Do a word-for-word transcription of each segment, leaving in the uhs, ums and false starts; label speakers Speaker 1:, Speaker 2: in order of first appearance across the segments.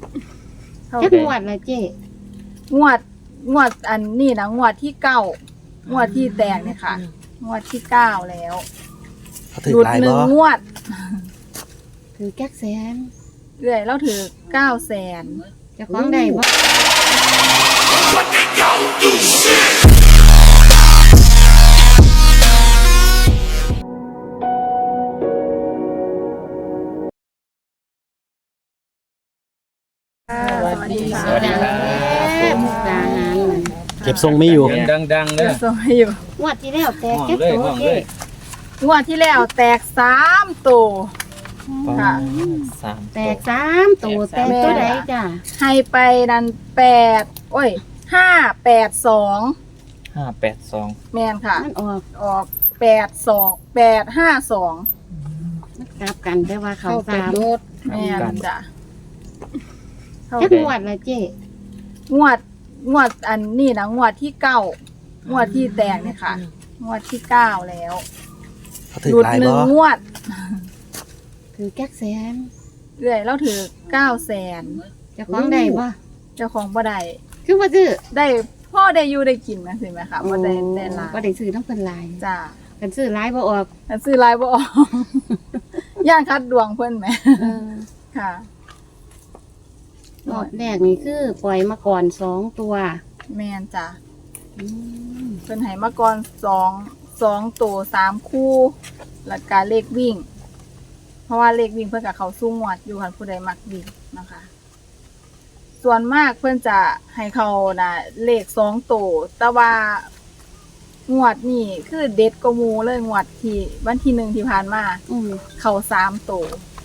Speaker 1: จักงวดละเจ๊
Speaker 2: งวดงวดอันนี้นะงวดที่เก้างวดที่แตกเนี่ยค่ะงวดที่เก้าแล้วหลุดหนึ่งงวด
Speaker 1: ถือแก๊กแสน
Speaker 2: เรื่อยแล้วถือเก้าแสน
Speaker 1: จะฟ้องได้บ่
Speaker 2: สวัสดีค่ะ
Speaker 3: สวัสดีครับ
Speaker 1: มุกดาหาร
Speaker 4: เก็บทรงไม่อยู่
Speaker 3: ดังๆเล
Speaker 2: เดี๋ย
Speaker 3: ยว
Speaker 2: ส่งให้อยู่
Speaker 1: งวดที่แล้วแตกแก๊ก
Speaker 3: เลย
Speaker 1: ตัว
Speaker 3: ห้อง
Speaker 1: เจ๊
Speaker 3: เลย
Speaker 2: งวดที่แล้วแตกสามตัวค่ะ
Speaker 3: สาม
Speaker 1: แตกสามตัวแตกตัวใดจ้ะ
Speaker 2: ให้ไปนันแปดโอ้ยห้าแปดสอง
Speaker 3: ห้าแปดสอง
Speaker 2: แมนค่ะ
Speaker 1: มันออก
Speaker 2: ออกแปดสองแปดห้าสอง
Speaker 1: มันกลับกันแต่ว่าเขาสาม
Speaker 2: แมนจ้ะ
Speaker 1: จักงวดละเจ๊
Speaker 2: งวดงวดอันนี้นะงวดที่เก้างวดที่แตกเนี่ยค่ะงวดที่เก้าแล้วหลุดหนึ่งงวด
Speaker 1: ถือแก๊กแสน
Speaker 2: เรื่อยแล้วถือเก้าแสน
Speaker 1: จะฟ้องได้บ่
Speaker 2: เจ้าของบ่ได้
Speaker 1: คือว่าซื้อ
Speaker 2: ได้พ่อได้อยู่ได้กินนะสิไหมคะบ่ได้ได้หลาย
Speaker 1: บ่ได้ซื้อน้ำเพิ่นหลาย
Speaker 2: จ้า
Speaker 1: กันซื้อหลายบ่ออก
Speaker 2: แต่ซื้อหลายบ่ออก ย่านคัดดวงเพิ่นแหม
Speaker 1: เออ
Speaker 2: ค่ะ
Speaker 1: รอบแรกนี่คือปล่อยมาก่อนสองตัว
Speaker 2: แม่นจ้ะ
Speaker 1: อืม
Speaker 2: เพิ่นให้มาก่อนสองสองตัวสามคู่แล้วก็เลขวิ่ง เพราะว่าเลขวิ่งเพิ่นก็เข้าสู้งวดอยู่คันผู้ใดมักวิ่งนะคะ ส่วนมากเพิ่นจะให้เขาน่ะเลขสองตัวแต่ว่างวดนี่คือเด็ดกว่าหมู่เลยงวดที่วันที่หนึ่งที่ผ่านมา
Speaker 1: อืม
Speaker 2: เข้าสามตัว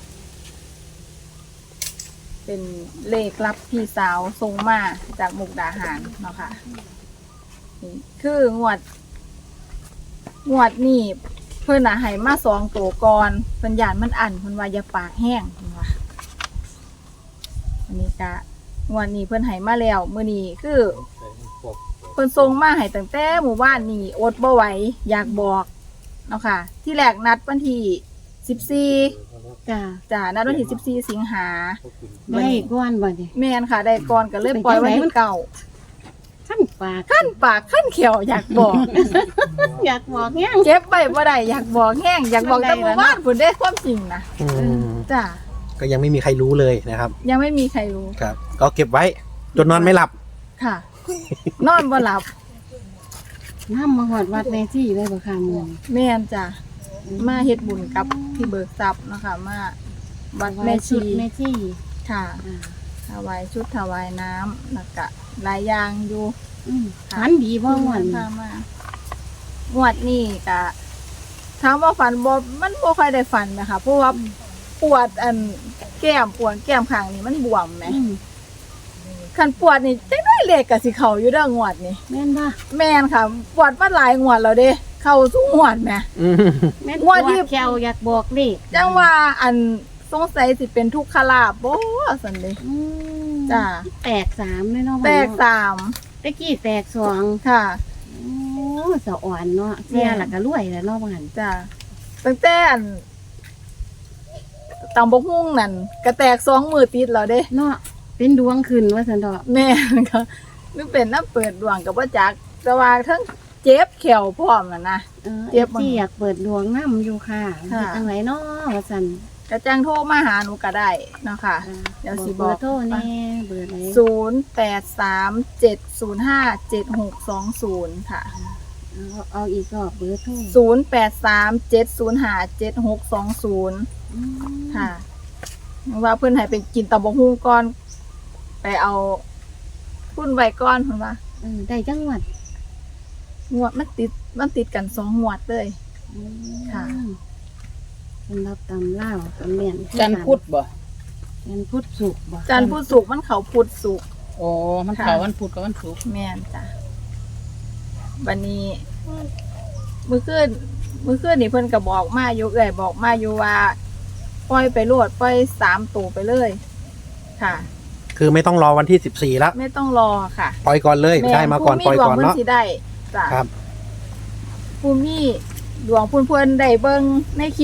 Speaker 2: เป็นเลขรับพี่สาวส่งมาจากมุกดาหารเนาะค่ะนี่คืองวด งวดนี่เพิ่นน่ะให้มาสองตัวก่อนเพิ่นย่านมันอั้นเพิ่นว่าอย่าปากแห้งเพิ่นว่าอันนี้ก็งวดนี้เพิ่นให้มาแล้วมื้อนี้คือเพิ่นส่งมาให้ตั้งแต่หมู่บ้านนี่อดบ่ไหวอยากบอกเนาะค่ะ ที่แรกนัดวันที่สิบสี่
Speaker 1: จ้า
Speaker 2: จ้านัดวันที่สิบสี่สิงหา
Speaker 1: ได้ก้อนบ่เนี่ย
Speaker 2: แม่นค่ะได้ก่อนก็เลยปล่อยวันที่เก้า
Speaker 1: ขั้นปาก
Speaker 2: ขั้นปากขั้นเขียวอยากบอก
Speaker 1: อยากบอกเนี่ย
Speaker 2: เก็บไว้บ่ได้อยากบอกแห้งอยากบอกแต่หมู่บ้านพุ่นได้ความจริงนะ
Speaker 4: อืม
Speaker 2: จ้า
Speaker 4: ก็ยังไม่มีใครรู้เลยนะครับ
Speaker 2: ยังไม่มีใครรู้
Speaker 4: ครับ ก็เก็บไว้จนนอนไม่หลับ
Speaker 2: ค่ะ นอนบ่หลับ
Speaker 1: น้ำมาหอดวัดแม่ที่เลยบ่ค่ะมึง
Speaker 2: แม่นจ้ะมาเฮ็ดบุญกับพี่เบิกทรัพย์เนาะคะมาวัดแม่ชี
Speaker 1: แม่ที่
Speaker 2: ค่ะ
Speaker 1: อ่า
Speaker 2: ถวายชุดถวายน้ำแล้วก็หลายอย่างอยู่
Speaker 1: อืมฝันดีบ่หวน
Speaker 2: พามางวดนี้ก็ถามว่าฝันบ่มันบ่ค่อยได้ฝันนะคะเพราะว่าปวดอันแก้มปวดแก้มข้างนี่มันบวมแหม
Speaker 1: อืม
Speaker 2: คันปวดนี่จังได้เลขก็สิเข้าอยู่เด้องวดนี่
Speaker 1: แม่นบ่
Speaker 2: แม่นค่ะ ปวดมาหลายงวดแล้วเด้เข้าสู่งวดแหม
Speaker 4: อืม
Speaker 1: แม่น
Speaker 2: งวดที่
Speaker 1: แควอยากบอกเลข
Speaker 2: จังว่าอันสงสัยสิเป็นทุกขลาภบ่ซั่นเด้
Speaker 1: อืม
Speaker 2: จ้า
Speaker 1: แตกสามเลยเนาะ
Speaker 2: แตกสาม
Speaker 1: ตะกี้แตกสอง
Speaker 2: ค่ะ
Speaker 1: โอ้สะอ่อนเนาะเสียหลักก็รวยแล้วเนาะว่าหั่น
Speaker 2: จ้าตั้งแต่อันตำบกหุ่งนั่นก็แตกสองมือติดแล้วเด้
Speaker 1: เนาะเป็นดวงขึ้นว่าซั่นดอก
Speaker 2: แม่นก็นึกเป็นน้ำเปิดดวงกับว่าจักแต่ว่าทั้งเจ็บแขวพร้อมน่ะนะ
Speaker 1: เออ
Speaker 2: เจ็บบ่
Speaker 1: ที่อยากเปิดดวงน้ำอยู่ค่ะ
Speaker 2: ค่ะ
Speaker 1: เฮ็ดจังไดเนาะว่าซั่น
Speaker 2: กระจังโทรมาหาหนูก็ได้เนาะค่ะ
Speaker 1: อ่า
Speaker 2: เดี๋ยวสิ
Speaker 1: เบอ
Speaker 2: บอก
Speaker 1: ร์โทรแน่เบอร์ไหน
Speaker 2: ศูนย์แปดสามเจ็ดศูนย์ห้าเจ็ดหกสองศูนย์ค่ะ
Speaker 1: เอาเอาอีกรอบเบอร์โทร
Speaker 2: ศูนย์แปดสามเจ็ดศูนย์ห้าเจ็ดหกสองศูนย์
Speaker 1: อืม
Speaker 2: ค่ะว่าเพื่อนให้ไปกินตำบกหุ่งก่อน ไปเอาพุ่นไว้ก่อนเพิ่นว่า
Speaker 1: เออได้จังหวัด
Speaker 2: งวดมันติดมันติดกันสองงวดเลย ค่ะ
Speaker 1: สำหรับตำเล่าวตำเลียน
Speaker 3: จันทร์พุธบ่
Speaker 1: จันทร์พุธสุกร์บ่
Speaker 2: จันทร์พุธศุกร์มันเขาพุธศุกร์
Speaker 3: โอ้มัน
Speaker 2: ค่ะ
Speaker 3: เขาวันพุธกับวันศุกร์
Speaker 2: แม่นจ้ะวันนี้มื้อคืนมื้อคืนนี่เพิ่นก็บอกมาอยู่เอ่ยบอกมาอยู่ว่าปล่อยไปโลดปล่อยสามตัวไปเลย ค่ะ
Speaker 4: คือไม่ต้องรอวันที่สิบสี่แล้ว
Speaker 2: ไม่ต้องรอค่ะ
Speaker 4: ปล่อยก่อนเลยได้มาก่อนปล่อยก่อน
Speaker 2: ผู้มีดวง
Speaker 4: เนาะ
Speaker 2: เพิ่นสิได้จ้ะ
Speaker 4: ครับ
Speaker 2: ผู้มีดวงเพิ่นเพิ่นได้เบิ่งในคลิป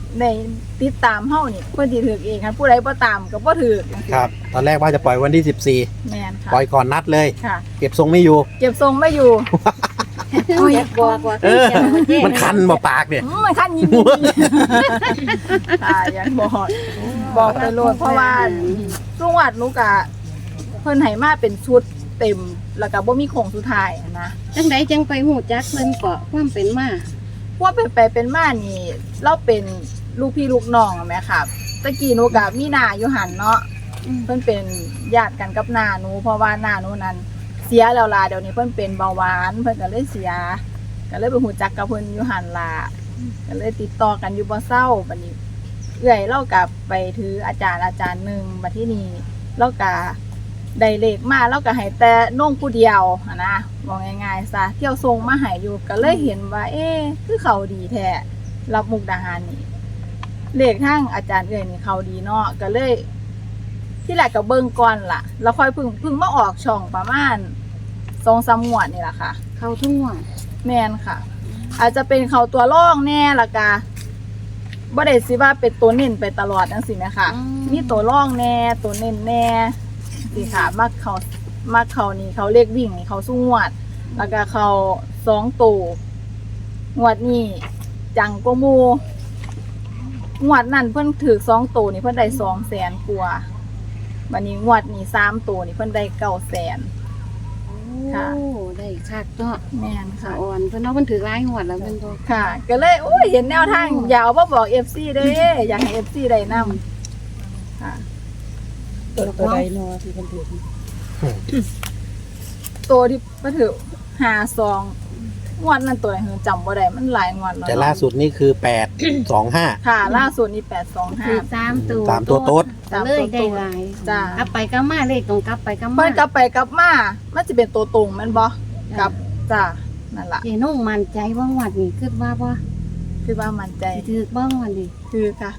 Speaker 2: ในติดตามเฮานี่เพิ่นสิถือเองคันผู้ใดบ่ตามก็บ่ถือ
Speaker 4: ครับ ตอนแรกว่าจะปล่อยวันที่สิบสี่
Speaker 2: แม่นค่ะ
Speaker 4: ปล่อยก่อนนัดเลย
Speaker 2: ค่ะ
Speaker 4: เก็บทรงไม่อยู่
Speaker 2: เก็บทรงไม่อยู่
Speaker 1: โอ้ยบอกว่า
Speaker 4: เออ
Speaker 1: เจ๊
Speaker 4: มันคันบ่ปากเนี่ย
Speaker 2: อืมมันคันยิงค่ะอยากบอกบอกไปโลดเพราะว่าจังหวัดหนูกะเพิ่นให้มาเป็นชุดเต็มแล้วก็บ่มีโครงสุดท้ายนะ
Speaker 1: จังไดจังไปหูจักเพิ่นเกาะความเป็นมา
Speaker 2: พวกเป็นไปเป็นมานี่เราเป็นลูกพี่ลูกน้องอะแม่ค่ะตะกี้หนูกะมีหน้าอยู่หันเนาะ
Speaker 1: อืม
Speaker 2: เพิ่นเป็นญาติกันกับหน้าหนูเพราะว่าหน้าหนูนั้นเสียแล้วล่ะเดี๋ยวนี้เพิ่นเป็นเบาหวานเพิ่นก็เลยเสียก็เลยไปหูจักกับเพิ่นอยู่หันล่ะก็เลยติดต่อกันอยู่บ่เศร้าบัดนี้เอื้อยเรากลับไปถืออาจารย์อาจารย์หนึงบัดที่นี่เราก็ได้เลขมาเราก็ให้แต่น้องผู้เดียวหั้นนะบอกง่ายๆซะเที่ยวส่งมาให้อยู่ก็เลยเห็นว่า เอ๊ะคือเขาดีแท้รับมุกดาหารนี่เลขทางอาจารย์เอื้อยนี่เขาดีเนาะก็เลย ที่แรกก็เบิ่งก่อนล่ะ แล้วค่อยเพึ่งเพึ่งมาออกช่องประมาณสองสามงวดนี่แหละค่ะ
Speaker 1: เข้าทุ่งหัว
Speaker 2: แม่นค่ะ อาจจะเป็นเขาตัวร่องแน่ละกะบ่ได้สิว่าเป็นตัวเน้นไปตลอดจังซี่แม่ค่ะ มีตัวร่องแน่ตัวเน้นแน่สิค่ะมักเขามักเขานี่เขาเรียกวิ่งนี่เขาสู้งวด แล้วก็เขาสองตัวงวดนี้จังก็มูงวดนั่นเพิ่นถือสองตัวนี่เพิ่นได้สองแสนกว่าวันนี้งวดนี้สามตัวนี่เพิ่นได้เก้าแสน ค่ะ
Speaker 1: โอ้ได้คักเนาะ
Speaker 2: แม่น
Speaker 1: สะ
Speaker 2: ค่ะ
Speaker 1: อ่อนเพิ่นเนาะเพิ่นถือหลายหัวดแล้วเพิ่นบ่
Speaker 2: ค่ะ ก็เลยโอ้ยเห็นแนวทางอยากเอามาบอก เอฟ ซี เด้อยากให้ เอฟ ซี ได้นำค่ะ
Speaker 3: ตัวตัวใดเนาะที่เพิ่นถือ
Speaker 2: ตัวที่มาถือห้าสองงวดนั้นตัวไหนเหรอจำบ่ได้มันหลายงวดแล้ว
Speaker 4: แต่ล่าสุดนี่คือแปดสองห้า
Speaker 2: ค่ะ ล่าสุดนี่แปดสองห้า
Speaker 1: ถือสามตัว
Speaker 4: สามตัวโต๊ด
Speaker 1: ก็เลยได้หลาย
Speaker 2: จ้ะ
Speaker 1: กลับไปกลับมาเลขตรงกลับไปกลับมา
Speaker 2: เพิ่นกลับไปกลับมามันจะเป็นตัวตรงแม่นบ่กลับจ้ะนั่นล่ะ
Speaker 1: เจนุ่งมั่นใจว่าหวัดนี่คิดว่าบ่
Speaker 2: คือว่ามั่นใจ
Speaker 1: สิถือบ่หวัดนี่
Speaker 2: คือค่ะ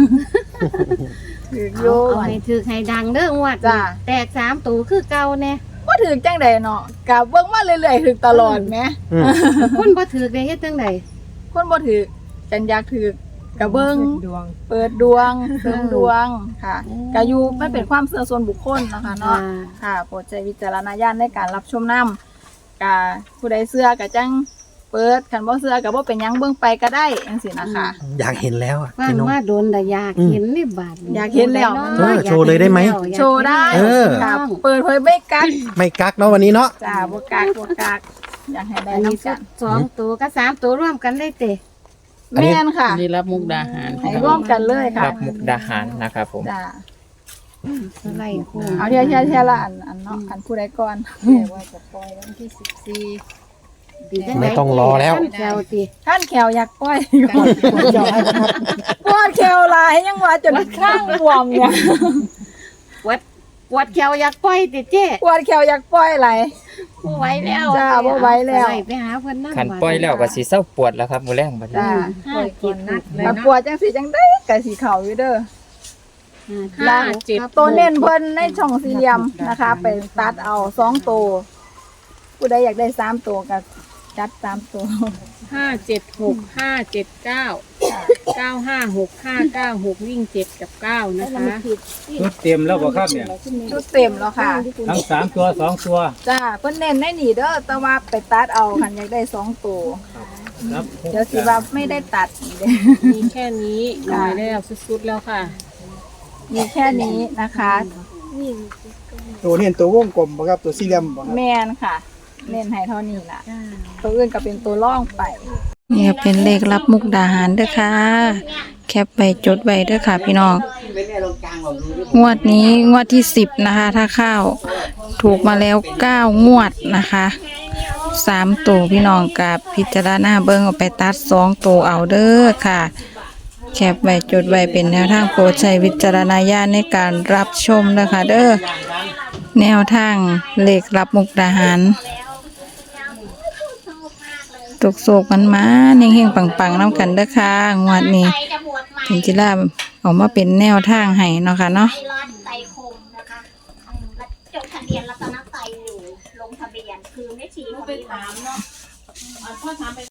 Speaker 2: คือ
Speaker 1: เอา
Speaker 2: โย
Speaker 1: เอาให้ถือให้ดังเด้อหวัด
Speaker 2: จ้ะ
Speaker 1: แตกสามตัวคือเก่าแน่
Speaker 2: บ่ถึงจังใดเนาะกะเบิ่งมาเรื่อยๆถึงตลอดแหม
Speaker 4: อืม
Speaker 1: คนบ่ถือได้เฮ็ดจังได๋
Speaker 2: คนบ่ถือกันอยากถือกับเบิ้ง
Speaker 3: ดวง
Speaker 2: เปิดดวงเสริมดวงค่ะกายูมันเป็นความเชื่อส่วนบุคคลนะคะเนาะค่ะโปรดใช้วิจารณญาณในการรับชมนํกาผู้ใดเชื่อก็จังเปิดคันบ่เชื่อก็บ่เป็นหยังเบิ่งไปก็ได้จังซี่นะคะ
Speaker 4: อยากเห็นแล้วอะ
Speaker 1: ฟัง
Speaker 4: เจ๊นง
Speaker 1: ว่าโดนแต่อยาก
Speaker 4: อืม
Speaker 1: เห็นนี่บาดนี่
Speaker 2: อยากเห็นแล้ว
Speaker 4: เออโชว์เลยได้ไหม
Speaker 2: โชว์ได้
Speaker 4: เออ
Speaker 2: ค่ะเปิดเผยไม่กัก
Speaker 4: ไม่กักเนาะวันนี้เนาะ
Speaker 2: จ้าบ่กักบ่กักอยากให้ได้
Speaker 1: อันนี้
Speaker 2: นำ
Speaker 1: ก็
Speaker 2: กัน
Speaker 1: สองตัวก็สามตัวร่วมกันได้เตะ
Speaker 4: อันนี้
Speaker 2: แม่นค่ะ
Speaker 3: อันนี้รับมุกดาหาร
Speaker 2: ให้ร่วมกันเลยค่ะ
Speaker 3: รับมุกดาหารนะครับผม
Speaker 2: จ้า
Speaker 1: สไลด์โค้ง
Speaker 2: เอาเทียเทียเทียละอันอันเนาะอันผู้ใดก่อน
Speaker 3: ว่าจะปล่อยวันที่สิบสี่
Speaker 1: ดีจัง
Speaker 4: ไม่ต้องรอแล้ว
Speaker 1: ขั้นแก้วติ
Speaker 2: ท่านแขวอยากปล่อยก่อนปวดแขวหลายยังว่าจนข้างบวมเนี่ย
Speaker 1: ปวดปวดแขวอยากปล่อยติเจ๊
Speaker 2: ปวดแขวอยากปล่อยไหลาย
Speaker 1: บ่ไหวแล้ว
Speaker 2: จ้าบ่ไหวแล้ว
Speaker 1: สได์ไปหาเพิ่นนั่น
Speaker 3: ขันปล่อยแล้วก็สิเศร้าปวดแล้วครับมื้อแรงบัดนี้
Speaker 2: จ้า
Speaker 1: ห้าเจ็ดหก
Speaker 2: ถ้าปวดจังสีจังได้ก็สิเข่าอยู่เด้อ
Speaker 1: ห้าเจ็ด
Speaker 2: ตัวเน้นเพิ่นในช่องสี่เหลี่ยมนะคะ ไปตัดเอาสองตัวผู้ใดอยากได้สามตัวก็จัดสามตัว
Speaker 5: ห้าเจ็ดหกห้าเจ็ดเก้าเก้าห้าหกห้าเก้าหกวิ่งเจ็ดกับเก้านะคะ
Speaker 6: ชุดเต็มแล้วบ่ครับเนี่ย
Speaker 2: ชุดเต็มแล้วค่ะ
Speaker 6: ทั้งสามตัวสองตัว
Speaker 2: จ้าเพิ่นเน้นในนี่เด้อแต่ว่าไปตัดเอาคันอยากได้สองตัว
Speaker 6: ครับ
Speaker 2: เดี๋ยวสิว่าไม่ได้ตัดอีกเด้อ
Speaker 5: มีแค่นี้หน่อยแล้วสุดๆแล้วค่ะ
Speaker 2: มีแค่นี้นะคะ
Speaker 7: ตัวนี้ตัววงกลมบ่ครับตัวสี่เหลี่ยมบ่ครับ
Speaker 2: แมนค่ะ เน้นให้เท่านี้ล่ะ ตัวอื่นก็เป็นตัวล่องไปเนี่ยเป็นเลขรับมุกดาหารเด้อค่ะ แคปไปจดไว้เด้อค่ะพี่น้อง งวดนี้งวดที่สิบนะคะ ถ้าเข้าถูกมาแล้วเก้างวดนะคะสามตัวพี่น้องกับพิจารณาเบิ้งเอาไปตัดสองตัวเอาเด้อค่ะ แคปไว้จดไว้เป็นแนวทางโปรดใช้วิจารณญาณในการรับชมนะคะเด้อแนวทางเลขรับมุกดาหารตุกโศกมันมาเฮงๆปังๆน้ำกันเด้อค่ะงวดนี้ถึงจิราออกมาเป็นแนวทางให้เนาะค่ะเนาะ
Speaker 8: ไตรอดไตรคมนะคะจดทะเบียนรัตนไตรอยู่ลงทะเบียนคือไม่ชีคนนี้